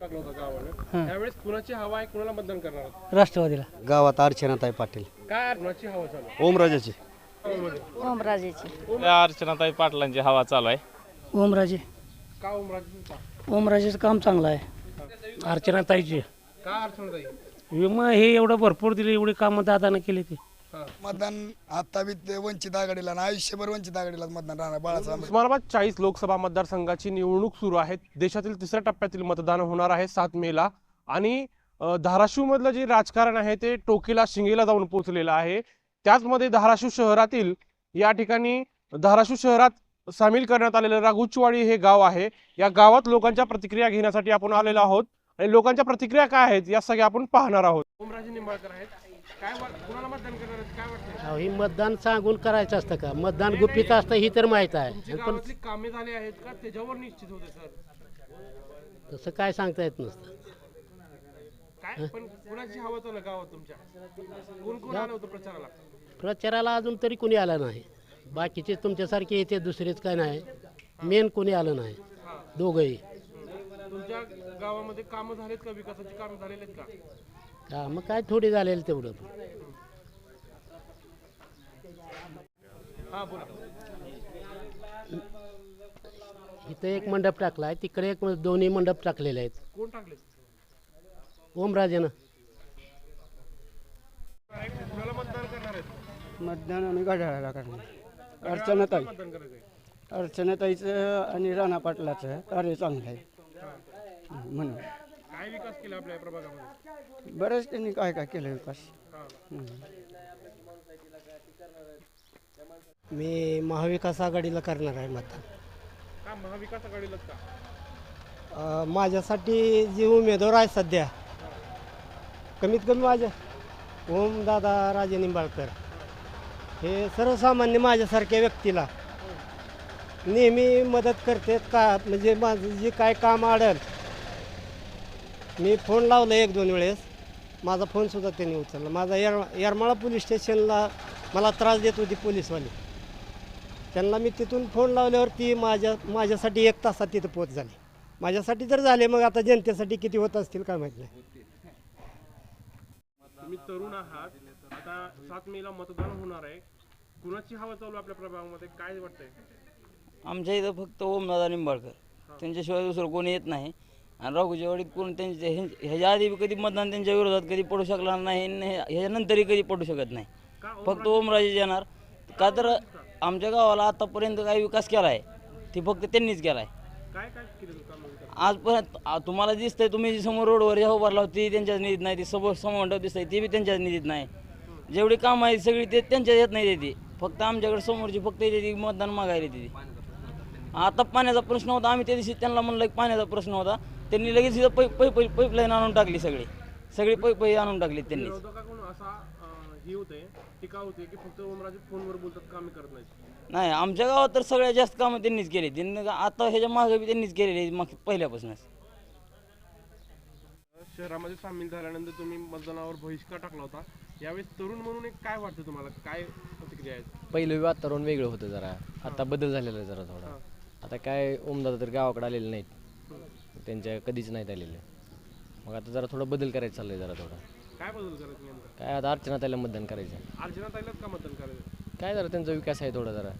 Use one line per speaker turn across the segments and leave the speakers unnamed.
टाकला होता गावाने, त्यावेळेस कुणाची हवा आहे, कुणाला मतदान करणार आहात?
राष्ट्रवादीला.
गावात अर्चनाताई पाटील.
काय कुणाची हवा चालू आहे?
ओमराजाची.
ओमराजेची.
अर्चनाताई पाटलांची हवा चालू आहे.
ओमराजे.
का ओमराजे?
ओमराजेचं काम चांगलं आहे. अर्चनाताईची.
का अर्चनाताई?
विमा हे एवढं भरपूर दिले, एवढी कामं दादानं केली ते.
मतदान आता बी ते वंचित आघाडीला ना आयुष्यभर वंचित आघाडीला मतदान राहणार. बाळासाहेब
उस्मानाबाद 40 लोकसभा मतदारसंघाची निवडणूक सुरू आहे. देशातील तिसऱ्या टप्प्यातील मतदान होणार आहे 7 मेला. आणि धाराशिव मधलं जे राजकारण आहे ते टोकेला शिंगेला जाऊन पोहोचलेलं आहे. त्याचमध्ये धाराशिव शहरातील या ठिकाणी धाराशिव शहरात सामील करण्यात आलेलं राघुचवाडी हे गाव आहे. या गावात लोकांच्या प्रतिक्रिया घेण्यासाठी आपण आलेलो आहोत आणि लोकांच्या प्रतिक्रिया काय आहेत या सगळ्या आपण पाहणार आहोत. ओमराजे निंबाळकर आहेत. काय कुणाला मतदान करणार आहेत, काय वाटतं?
ही मतदान सांगून करायचं असतं का? मतदान गुपित असतं ही तर माहीत आहे. पण
गावातली कामे झाली आहेत का त्याच्यावर निश्चित होते सर?
तसं काय सांगता येत नसतं.
काय पण कुणाची हवा चालू गावात तुमच्या? कोण कोण आलं होतं प्रचाराला?
प्रचाराला अजून तरी कोणी आलं नाही. बाकीचे तुमच्यासारखे येते, दुसरेच काय नाही. मेन कोणी आलं नाही. दोघंही.
तुमच्या गावामध्ये कामं झालेत का? विकासाची कामं झालेली आहेत का?
का मग काय थोडी झालेलं तेवढं.
हा बोला.
इथं एक मंडप टाकला आहे, तिकडे एक, दोन्ही मंडप टाकलेले आहेत.
कोण टाकले?
ओमराजेनं.
कुणाला मतदान करणार आहेत?
मतदान आम्ही घड्याळाला करणार. अर्चनाताई.
मतदान करायचंय.
अर्चनाताईचं आणि राणा पाटलाचं कार्य चांगलं आहे म्हणून.
काय विकास केला आपल्या प्रभागामध्ये?
बरेच त्यांनी काय काय केलं विकास.
मी महाविकास आघाडीला करणार आहे मतदान.
का महाविकास आघाडीलाच का?
माझ्यासाठी जे उमेदवार आहे सध्या, कमीत कमी माझ्या ओमदादा राजे निंबाळकर हे सर्वसामान्य माझ्यासारख्या व्यक्तीला नेहमी मदत करतात. का म्हणजे माझं जे काय काम अडेल, मी फोन लावला 1-2 वेळेस, माझा फोनसुद्धा त्यांनी उचलला. माझा येरमाळा पोलीस स्टेशनला मला त्रास देत होती पोलीसवाली. त्यांना मी तिथून फोन लावल्यावर ती माझ्यासाठी 1 तासात तिथं पोच झाली. माझ्यासाठी जर झाले, मग आता जनतेसाठी किती होत असतील काय माहीत नाही.
तुम्ही तरुण आहात, आता 7 मेला मतदान होणार आहे. कुणाची हवा चालू आपल्या प्रभागामध्ये, काय वाटतंय?
आमच्या इथं फक्त ओमदादा निंबाळकर, त्यांच्याशिवाय दुसरं कोणी येत नाही. आणि राघुचवाडीत कोण ह्याच्या आधी कधी मतदान त्यांच्या विरोधात कधी पडू शकला नाही आणि ह्याच्यानंतरही कधी पडू शकत नाही. फक्त ओमराजे येणार का? तर आमच्या गावाला आतापर्यंत काही विकास केला आहे ते फक्त त्यांनीच केला आहे.
काय काय केलं काम?
आजपर्यंत तुम्हाला दिसतंय, तुम्ही जी समोर रोडवर जेव्हा उभारला होती त्यांच्याच निधीत नाही. ती समोर दिसतंय ती बी त्यांच्याच निधीत नाही. जेवढी कामं आहेत सगळी ते त्यांच्या येत नाही. देते फक्त आमच्याकडे समोरची फक्त येते मतदान मागायला येते. आता पाण्याचा प्रश्न होता, आम्ही त्या दिवशी त्यांना म्हणलं की पाण्याचा प्रश्न होता, त्यांनी लगेच इथं पाईपलाईन आणून टाकली. सगळी पाईप आणून टाकली त्यांनी.
विरोधकाकडून असा ही होते, टीका होते की फक्त ओमराजे फोनवर बोलतात, कामे करत नाहीत.
नाही, आमच्या गावात तर सगळ्यात जास्त कामं त्यांनीच केली. त्यांनी आता ह्याच्या मागे बी त्यांनीच केलेली पहिल्यापासूनच.
शहरामध्ये सामील झाल्यानंतर तुम्ही मतदानावर बहिष्कार टाकला होता. यावेळेस तरुण म्हणून एक काय वाटतं तुम्हाला, काय प्रतिक्रिया आहेत?
पहिलं वातावरण वेगळं होतं जरा, आता बदल झालेला आहे जरा थोडा. आता काय ओमदादा तर गावाकडे आलेले नाहीत, त्यांच्या कधीच नाहीत आलेले. मग आता जरा थोडा बदल करायचं चाललंय जरा थोडा.
काय बदल करायचं नेमकं?
काय आता अर्चनाताईला मतदान करायचं.
अर्चनाताईलाच का मतदान करायचं?
काय जरा त्यांचा विकास आहे थोडा जरा.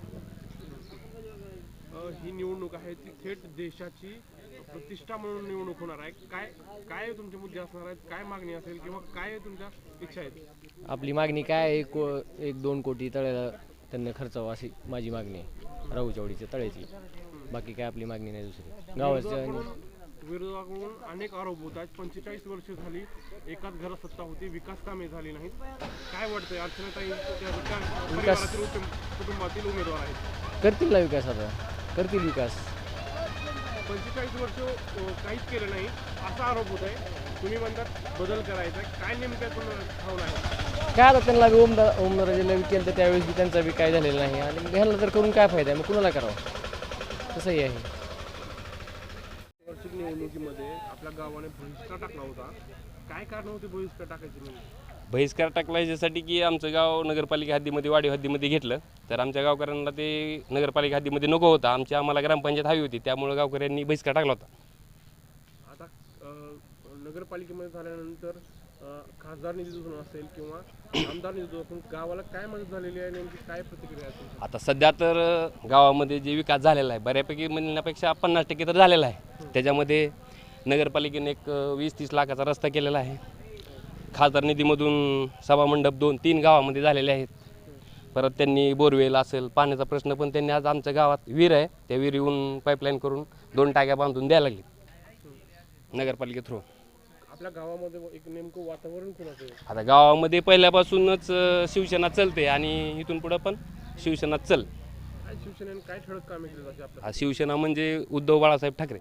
ही निवडणूक आहे ती थेट देशाची प्रतिष्ठा म्हणून निवडणूक होणार आहे. काय काय तुमचे मुद्दे असणार आहेत, काय मागणी असेल किंवा काय तुमच्या इच्छा आहेत?
आपली मागणी काय आहे, 1-2 कोटी तळ्याला त्यांना खर्चावं अशी माझी मागणी आहे, राघुचवाडीच्या तळ्याची. बाकी काय आपली मागणी नाही दुसरी. गावाच्या
विरोधाकडून अनेक आरोप होत आहेत. 45 वर्ष झाली एकाच घरात सत्ता होती, विकास कामे झाली नाहीत. काय वाटतंय? अर्चनाताई कुटुंबातील उमेदवार आहेत,
करतील ना विकास, आता करतील विकास.
45 वर्ष काहीच केलं नाही असा आरोप होत आहे. तुम्ही म्हणतात बदल करायचा, काय नेमक्यातून भावना आहे?
काय आता त्यांना बी ओमराजेला केलं तर त्यावेळेस बी त्यांचा बी काय झालेलं नाही. आणि ह्याला तर करून काय फायदा आहे, मग कुणाला करावं? तसंही आहे.
वार्षिक निवडणुकीमध्ये आपल्या गावाने बहिष्कार टाकला होता. काय कारण होते बहिष्कार टाकायची?
बहिष्कार टाकला याच्यासाठी की आमचं गाव नगरपालिका हद्दीमध्ये, वाढीव हद्दीमध्ये घेतलं, तर आमच्या गावकऱ्यांना ते नगरपालिका हद्दीमध्ये नको होता. आम्हाला ग्रामपंचायत हवी होती, त्यामुळे गावकऱ्यांनी बहिष्कार टाकला होता.
आता नगरपालिकेमध्ये झाल्यानंतर खासदार निधीतून असेल किंवा आमदार निधीतून गावाला काय मदत झालेली आहे, नेमकी काय प्रतिक्रिया आहे तुमची?
आता सध्या तर गावामध्ये जे विकास झालेला आहे बऱ्यापैकी म्हणण्यापेक्षा 50% तर झालेला आहे. त्याच्यामध्ये नगरपालिकेने एक 20-30 लाखाचा रस्ता केलेला आहे. खासदार निधीमधून सभामंडप 2-3 गावामध्ये झालेले आहेत. परत त्यांनी बोरवेल असेल, पाण्याचा प्रश्न पण त्यांनी आज आमच्या गावात विहीर आहे, त्या विहिरीहून पाईपलाईन करून 2 टाक्या बांधून द्यायला लागली नगरपालिके थ्रू.
आपल्या गावामध्ये एक नेमकं वातावरण कोणाचं आहे?
आता गावामध्ये पहिल्यापासूनच शिवसेना चलते आणि इथून पुढं पण शिवसेना चल.
काय शिवसेनेने काय ठळक कामे केली जाते आपल्या?
शिवसेना म्हणजे उद्धव बाळासाहेब ठाकरे.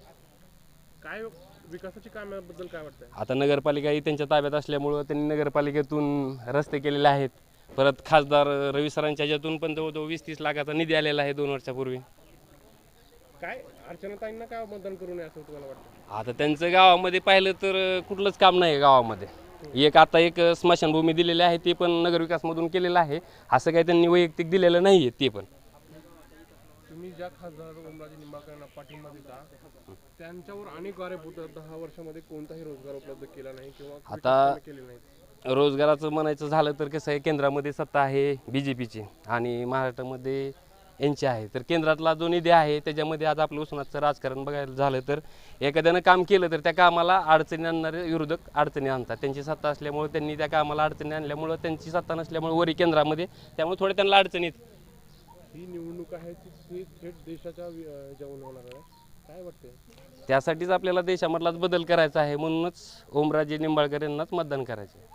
काय विकासाची कामाबद्दल काय वाटतंय?
आता नगरपालिका ही त्यांच्या ताब्यात असल्यामुळं त्यांनी नगरपालिकेतून रस्ते केलेले आहेत. परत खासदार रवी सरांच्या ह्याच्यातून पण जवळजवळ 20-30 लाखाचा निधी आलेला आहे 2 वर्षापूर्वी.
काय अर्चनाताईंना काय मतदान करू नये असं तुम्हाला वाटतं?
आता त्यांचं गावामध्ये पाहिलं तर कुठलंच काम नाही आहे गावामध्ये. आता एक स्मशानभूमी दिलेली आहे, ते पण नगरविकासमधून केलेलं आहे. असं काही त्यांनी वैयक्तिक दिलेलं नाही आहे. ते पण
तुम्ही ज्या खासदार ओमराजे निंबाळकरांना पाठिंबा देता त्यांच्यावर अनेक आरोप होतात, 10 वर्षामध्ये कोणताही रोजगार उपलब्ध केला नाही किंवा
आता
केले नाही.
रोजगाराचं म्हणायचं झालं तर कसं आहे, केंद्रामध्ये सत्ता आहे BJPची आणि महाराष्ट्रामध्ये यांची आहे. तर केंद्रातला जो निधी आहे त्याच्यामध्ये आज आपलं उस्मानाचं राजकारण बघायला झालं तर एखाद्यानं काम केलं तर त्या कामाला अडचणी आणणारे विरोधक अडचणी आणतात. त्यांची सत्ता असल्यामुळे त्यांनी त्या कामाला अडचणी आणल्यामुळं, त्यांची सत्ता नसल्यामुळे वरी केंद्रामध्ये, त्यामुळे थोडे त्यांना अडचणीत.
ही निवडणूक आहे ती थेट देशाच्या ह्याच्यावरून होणार आहे, काय वाटतंय?
त्यासाठीच आपल्याला देशामधलाच बदल करायचा आहे, म्हणूनच ओमराजे निंबाळकर यांनाच मतदान करायचं आहे.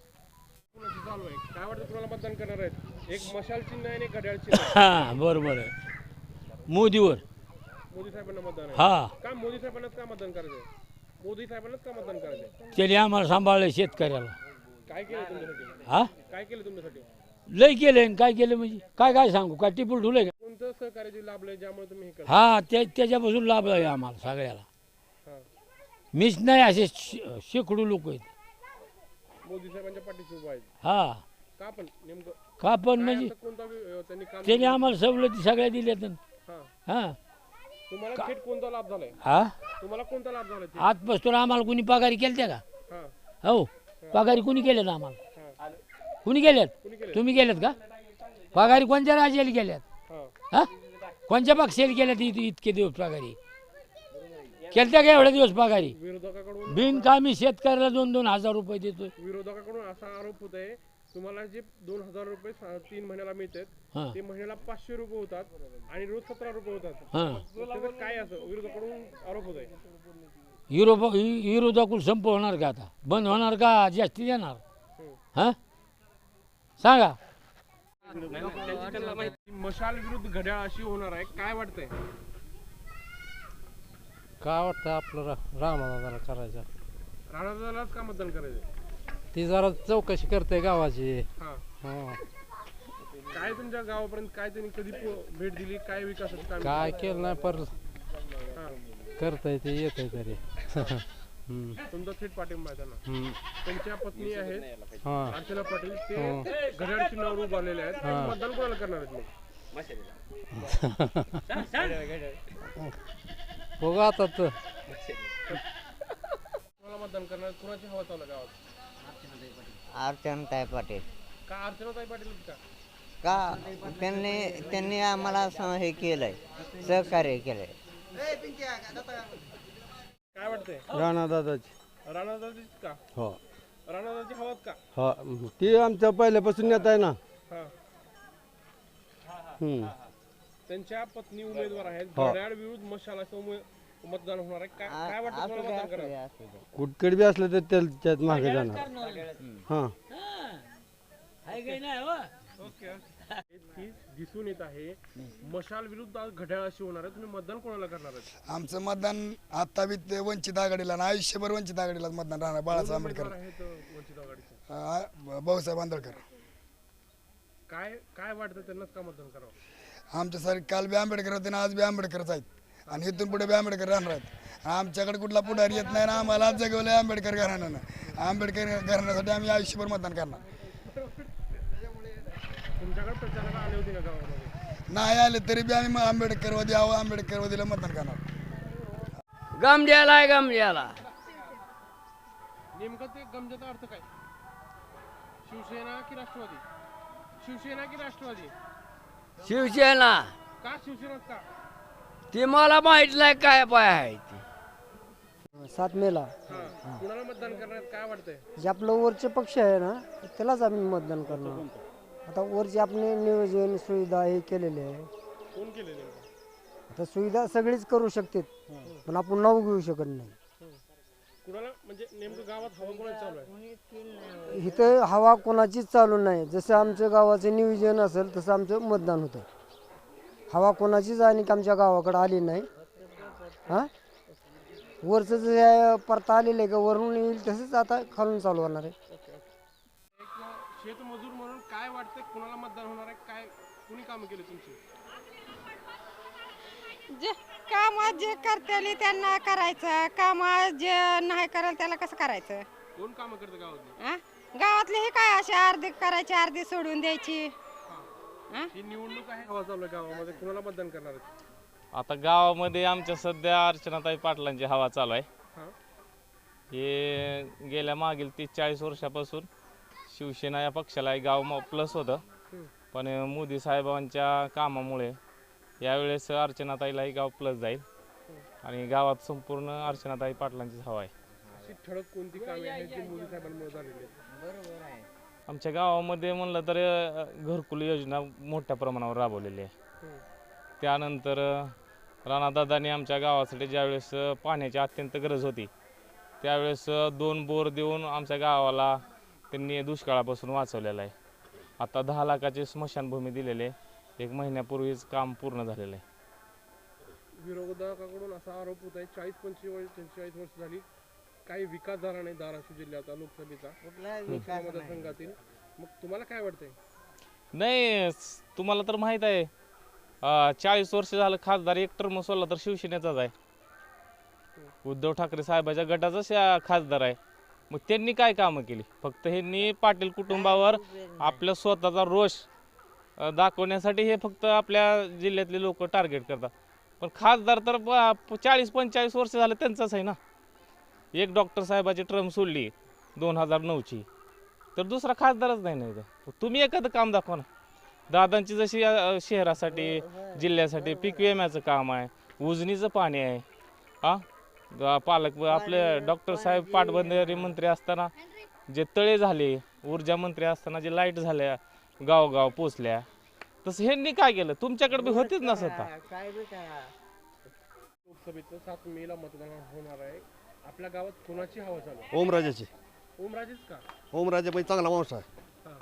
कोणाची चालू आहे? काय वाटतं तुम्हाला मतदान करणार आहेत? एक मशाल चिन्ह आहे आणि एक घड्याळ चिन्ह आहे.
हां बरोबर आहे. मोदीवर.
मोदी साहेबांना मतदान आहे.
हा
का मोदी साहेबांनाच का मतदान करायचंय? मोदी साहेबांनाच का मतदान करायचंय?
त्याने आम्हाला सांभाळलं शेतकऱ्याला.
काय केलं तुमच्यासाठी?
हा
काय केलं तुमच्यासाठी?
लय केलं आणि काय केलं म्हणजे काय सांगू, काय टिपूल ठुलंय का?
कोणतं सहकार्य जे लाभलंय ज्यामुळे तुम्ही हे करता?
हा त्याच्यापासून लाभ आहे आम्हाला सगळ्याला.
हा.
मीच नाही, असे शेकडो लोक आहेत.
मोदी साहेबांच्या पाठीशी उभा आहेत.
हा
का पण नेमकं
का पण
काय
म्हणजे
असं कोणता त्यांनी काम
त्याने आम्हाला सवलती सगळ्या दिल्यात.
हा.
हा
तुम्हाला थेट कोणता लाभ झालाय?
हा
तुम्हाला कोणता लाभ झालाय?
आजपासून आम्हाला कुणी पगारी केल्या का?
हा.
हो पगारी कुणी केल्यात आम्हाला?
हा.
कुणी केल्यात?
कुणी केलं?
तुम्ही केल्यात का? पगारी कोणत्या राज्याला केल्यात?
हा.
हा कोणत्या पक्षाला केल्यात इतके दिवस पगारी केलत्या का एवढ्या दिवस पगारी?
विरोधकाकडून
बिनकामी शेतकऱ्याला 2-2 हजार रुपये देतोय.
विरोधकाकडून असा आरोप होत आहे तुम्हाला जे 2,000 रुपये 3 महिन्याला मिळतात
हा
ते महिन्याला 500 रुपये होतात आणि रोज 17 रुपये होतात.
हा
त्याचं काय असं विरोधकाकडून आरोप होत आहे?
विरोधाकुल संप होणार का आता? बंद होणार का जास्ती देणार? हा सांगा.
मशाल विरुद्ध घड्याळ अशी होणार आहे, काय वाटतंय?
काय वाटतं आपलं रामादादाला करायचं?
राणादादालाच का मतदान करायचं?
ती जरा चौकशी करते गावाची.
हा.
हा
काय तुमच्या गावापर्यंत काय त्यांनी कधी भेट दिली, काय विकासाचं काम
काय केलं नाही पर
हा.
करता येते येते तरी.
तुमचा थेट पाठिंबा आहे त्यांना. त्यांच्या पत्नी आहेत
हा
अर्चना पाटील, ते घड्याळ चिन्हावर उभारलेले आहेत.
हा.
मतदान कोणाला करणार आहेत मग?
बघू आता तर
कोणाला मतदान करणार? कोणाची हवा चालू आहे गावात?
अर्चनाताई पाटील.
का अर्चनाताई पाटील का?
का त्यांनी आम्हाला हे केलंय, सहकार्य केलंय.
काय वाटतंय?
राणादादाची.
राणादादाची का?
हो
राणादादाची हवाच का?
हा ती आमच्या पहिल्यापासून नेता आहे ना.
हा.
हम्म.
त्यांच्या पत्नी उमेदवार आहेत.
हो.
घड्याळ विरुद्ध मशाल असं मतदान होणार आहे. काय वाटतं तुम्हाला मतदान करणार?
कुठकडे बी असलं तर त्याच्यात मागे जाणार. हा
दिसून येत आहे मशाल विरुद्ध घड्याळ अशी होणार आहे. तुम्ही मतदान कोणाला करणार आहे?
आमचं मतदान आता बी ते वंचित आघाडीला ना आयुष्यभर वंचित आघाडीला मतदान राहणार. बाळासाहेब आंबेडकर,
आहेत वंचित आघाडीचे.
भाऊसाहेब आंबेडकर.
काय वाटतं त्यांनाच का मतदान करावं?
आमच्यासारखे काल बी आंबेडकर होते ना, आज बी आंबेडकरच आहेत आणि इथून पुढे बी आंबेडकर राहणार आहेत. आमच्याकडे कुठला पुढारी येत नाही ना, आम्हाला जगवलं आंबेडकर घराण्यानं. आंबेडकर घराण्यासाठी आम्ही आयुष्यभर मतदान करणार.
तुमच्याकडे प्रचाराला आले होते का गावामध्ये?
नाही आले तरी बी आम्ही आंबेडकरवादी आहो, आंबेडकरवादीला मतदान करणार.
गमड्याला आहे गमड्याला.
नेमकं ते गमजाचा अर्थ काय? शिवसेना की राष्ट्रवादी? शिवसेना की राष्ट्रवादी?
शिवसेना
का शिवसेनाच का?
ते मला माहित नाही काय पाय आहे ते.
7 मेला
हा. कुणाला मतदान करणार काय वाटतंय?
जे आपलं वरचे पक्ष आहे ना त्यालाच आम्ही मतदान करणार. आता वरचे आपले नियोजन सुविधा हे केलेले आहे.
कोण केलेले?
आता सुविधा सगळीच करू शकते पण आपण नाव घेऊ शकत नाही.
कुणाला म्हणजे नेमकं गावात हवा कोणाची चालू आहे?
इथं हवा कोणाचीच चालू नाही. जसं आमचं गावाचं नियोजन असेल तसं आमचं मतदान होतं. हवा कोणाचीच आणि आमच्या गावाकडे आली नाही. हां वरचं जे परता आलेलं आहे का वरून येईल तसंच आता खालून चालू होणार आहे.
एक शेतमजूर म्हणून काय वाटतंय कुणाला मतदान होणार आहे? काय कुणी कामं केली तुमची?
जे काम जे करतेली त्यांना करायचं, काम जे नाही करेल त्याला कसं करायचं?
कोण कामं करतं गावातली?
आ? गावातले हे काय असे अर्धी करायची अर्धी सोडून द्यायची.
ही निवडणूक आहे, हवा चालू आहे गावामध्ये, कुणाला मतदान करणार आहे?
आता गावामध्ये आमच्या सध्या अर्चनाताई पाटलांची हवा चालू आहे.
हा.
हे गेल्या मागील 30-40 वर्षापासून शिवसेना या पक्षाला गाव प्लस होतं, पण मोदी साहेबांच्या कामामुळे यावेळेस अर्चनाताईलाही गाव प्लस जाईल आणि गावात संपूर्ण अर्चनाताई पाटलांचीच हवा आहे.
अशी ठळक कोणती कामे आहेत जी मोदी साहेबांमुळे झालेली आहेत?
बरोबर आहे.
आमच्या गावामध्ये म्हणलं तर घरकुल योजना मोठ्या प्रमाणावर राबवलेली आहे. त्यानंतर राणादादांनी आमच्या गावासाठी ज्यावेळेस पाण्याची अत्यंत गरज होती त्यावेळेस 2 बोर देऊन आमच्या गावाला त्यांनी दुष्काळापासून वाचवलेलं आहे. आता 10 लाखाची स्मशानभूमी दिलेली आहे. 1 महिन्यापूर्वीच काम पूर्ण झालेलं आहे.
विरोधकाकडून असा आरोप होत आहे 40-45 वर्ष झाली काही विकास झाला नाही धाराशिव जिल्ह्याचा लोकसभेचा मतदारसंघातील. मग तुम्हाला काय वाटतंय?
नाही, तुम्हाला तर माहीत आहे 40 वर्ष झालं खासदार एक टर्म सोडला तर शिवसेनेचाच आहे. उद्धव ठाकरे साहेबाच्या गटाचा खासदार आहे. मग त्यांनी काय कामं केली? फक्त ह्यांनी पाटील कुटुंबावर आपल्या स्वतःचा रोष दाखवण्यासाठी हे फक्त आपल्या जिल्ह्यातले लोक टार्गेट करतात. पण खासदार तर 40-45 वर्ष झालं त्यांचाच आहे ना. एक डॉक्टर साहेबाची टर्म सोडली 2009ची तर दुसरा खासदारच नाही ना. तुम्ही एखादं काम दाखवा ना. दादांची जशी शहरासाठी जिल्ह्यासाठी पीक विम्याचं काम आहे, उजनीचं पाणी आहे. पालक आपले डॉक्टर साहेब पाटबंधारे मंत्री असताना जे तळे झाले, ऊर्जा मंत्री असताना जे लाईट झाल्या गावगाव पोचल्या, तसं ह्यांनी काय केलं? तुमच्याकडे बी होतीच ना स्वतः.
लोकसभेचं 7 मेला मतदान होणार आहे. आपल्या गावात कोणाची हवा चालू आहे?
ओमराजेची.
ओमराजेच का?
ओमराजे पण चांगला माणूस आहे.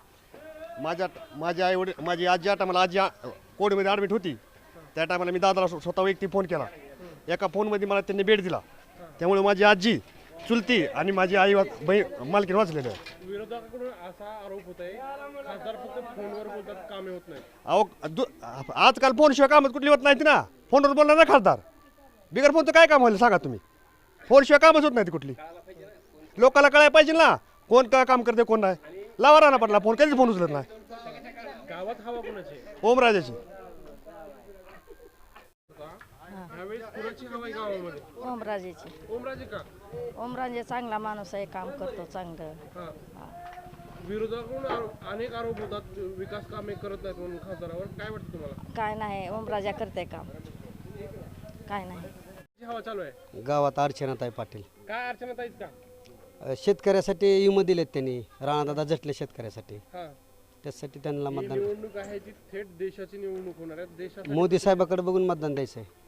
माझी आजी ज्या टायमाला आजी कोविडमध्ये ॲडमिट होती त्या टायमाला मी दादाला स्वतः व्यक्ती फोन केला. एका फोनमध्ये मला त्यांनी बेड दिला. त्यामुळे माझी आजी चुलती आणि माझी आई बहीण मालकीन वाचलेली आहे.
विरोधकाकडून असा आरोप होत आहे खासदार फक्त फोनवर बोलतात, कामे होत नाही.
अहो आजकाल फोनशिवाय कामच कुठली होत नाहीत ना. फोनवर बोलणार ना खासदार. बिगर फोनचं काय काम व्हायला सांगा तुम्ही? फोनशिवाय कामच होत नाही कुठली. लोकांना कळायला पाहिजे ना कोण काय काम करते कोण नाही. लावा राहणार पडला फोन, कधीच फोन उचलत नाही.
गावात हवा कोणाची?
ओमराजेची.
ओमराजेची.
ओमराजे का?
ओमराजे चांगला माणूस आहे, काम करतो चांगलं.
विरोधाकडून अनेक आरोप होतात विकास कामे करत नाहीत म्हणून खासदारावर. काय वाटतं तुम्हाला?
काय नाही, ओमराजा करते काम. काय नाही.
हवा चालू आहे
गावात अर्चनाताई पाटील.
काय अर्चनाताईच का?
शेतकऱ्यासाठी विमा दिलेत त्यांनी. राणादादा झटले शेतकऱ्यासाठी. त्यासाठी त्यांना मतदान.
निवडणूक आहे ती थेट देशाची निवडणूक होणार आहे. देशात
मोदी साहेबाकडे बघून मतदान द्यायचं आहे.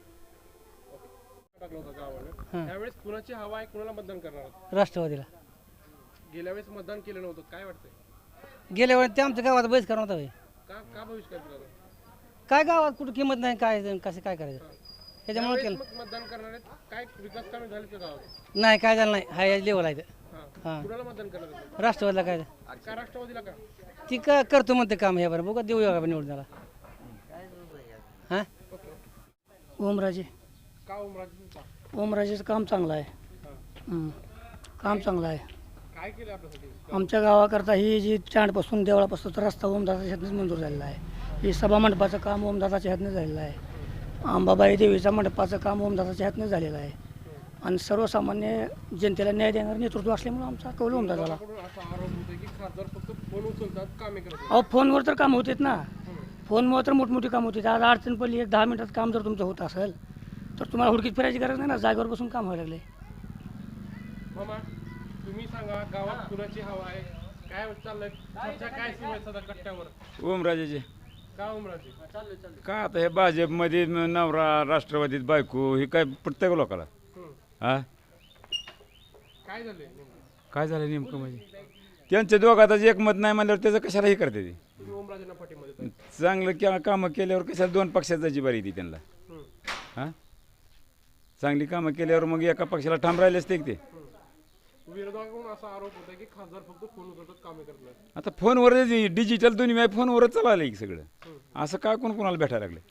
त्यावेळेस कुणाची हवा आहे, कुणाला मतदान करणार?
राष्ट्रवादीला.
गेल्या वेळेस मतदान केलं नव्हतं, काय वाटतंय?
गेल्या वेळेस ते आमच्या गावात बहिष्कार नव्हता.
का बहिष्कार केला?
काय गावात कुठं किंमत नाही, काय कसं काय करायचं त्याच्यामुळे केलं.
मतदान करणार आहेत. काय विकास कामे झाले का गावात?
नाही, काय झालं नाही. हाय लेवल आहे.
कुणाला मतदान करणार?
राष्ट्रवादीला. काय
का राष्ट्रवादीला का?
ती करतो म्हणते काम हे बरं. बघा देऊ का निवडून त्याला. हां ओमराजे.
का ओमराजे?
ओमराजेचं काम चांगलं आहे. काम चांगलं आहे.
काय केलं आपल्यासाठी?
आमच्या गावाकरता ही जी चांडपासून देवळापासून रस्ता ओमदादाच्या ह्यातनंच मंजूर झालेला आहे. ही सभा मंडपाचं काम ओमदादाच्या ह्यातनं झालेलं आहे. अंबाबाई देवीच्या मंडपाचं काम ओमदादाच्या ह्यातनं झालेलं आहे. आणि सर्वसामान्य जनतेला न्याय देणारं नेतृत्व असल्यामुळे आमचा कौल ओमदादाला.
असा आरोप होतोय की खासदार फक्त फोन उचलतात, कामे करतात.
अहो फोनवर तर काम होतात ना, फोनमुळे तर मोठमोठी काम होते. आज अडचण पडली, एक 10 मिनिटात काम जर तुमचं होत असेल तर तुम्हाला हुडकीत फिरायची गरज नाही ना, जागेवर बसून काम व्हायला लागले.
मामा तुम्ही सांगा, गावात कुणाची हवा आहे, काय चाललंय, चर्चा काय सुरू आहे सध्या कट्ट्यावर?
ओमराजेचे.
का उमराजी?
का आता हे भाजपमध्ये नवरा, राष्ट्रवादीत बायको, हे काय प्रत्येक लोकाला हा
काय झालंय?
काय झालं नेमकं म्हणजे त्यांच्या दोघात एकमत नाही म्हणल्यावर त्याचं कशाला हे करते ते.
तुम्ही ओमराजेंना पाठिंबा देताय?
चांगलं कामं केल्यावर कशाला दोन पक्षात जायची बारी ती त्यांना. हां चांगली कामं केल्यावर मग एका पक्षाला ठाम राहिले असते ते.
विरोधकाकडून असा आरोप होता की खासदार फक्त फोन उचलतात, कामे करत नाही.
आता फोनवर डिजिटल दुनिया फोनवरच चाललं की सगळं. असं काय कोणाला भेटायला लागले?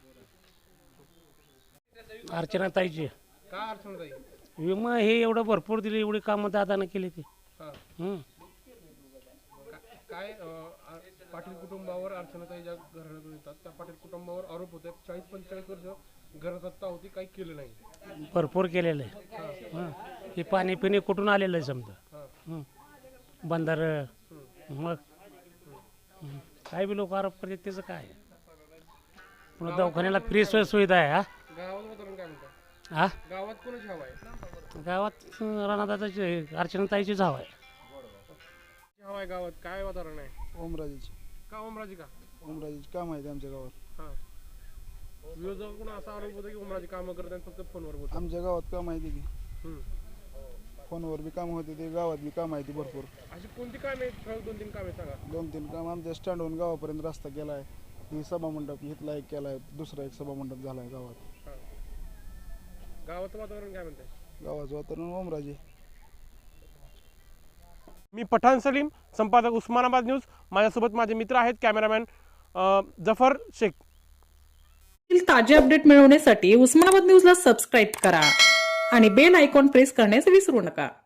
अर्चनाताईची
का अडचण जाईल?
विमा हे एवढं भरपूर दिले, एवढी कामं दादानं केली ते.
काय पाटील कुटुंबावर अर्चनाताई ज्या घराण्यातून येतात त्या पाटील कुटुंबावर आरोप होते 40-45 वर्ष घरसत्ता होती, काही केलं नाही.
भरपूर केलेलं आहे. हे पाणी पिणे कुठून आलेलं आहे समजा, बंधार, मग काय बी लोक आरोप करतात त्याचं काय. पुन्हा दवाखान्याला फ्री सुविधा आहे.
गावात वातावरण काय म्हणतात?
हा
गावात कोणाची हवा आहे?
गावात राणादादाची, अर्चनाताईचीच हवा आहे.
हवा आहे गावात, काय वातावरण आहे?
ओमराजेची.
का ओमराजी? का
ओमराजेची काम आहे आमच्या गावात.
विरोधकाकडून असा आरोप होता की ओमराजी कामं करतात फक्त फोनवर बोलतात.
आमच्या गावात काम आहे की फोनवर बी काम होते ते, गावात बी काम आहे ती भरपूर.
अशी कोणती कामे आहेत? 2-3 कामे सांगा.
2-3 काम आमच्या स्टँडवरून गावापर्यंत रस्ता केला आहे, ही सभामंडप इथला एक केला आहे, दुसरा एक सभामंडप झाला आहे गावात.
गावाचं वातावरण काय म्हणतंय?
गावाचं वातावरण ओमराजे.
मी पठाण सलीम, संपादक उस्मानाबाद न्यूज. माझ्यासोबत माझे मित्र आहेत, कॅमेरामॅन जफर शेख.
ताजे अपडेट मिळवण्यासाठी उस्मानाबाद न्यूजला सबस्क्राईब करा आणि बेल आयकॉन प्रेस करण्यास विसरू नका.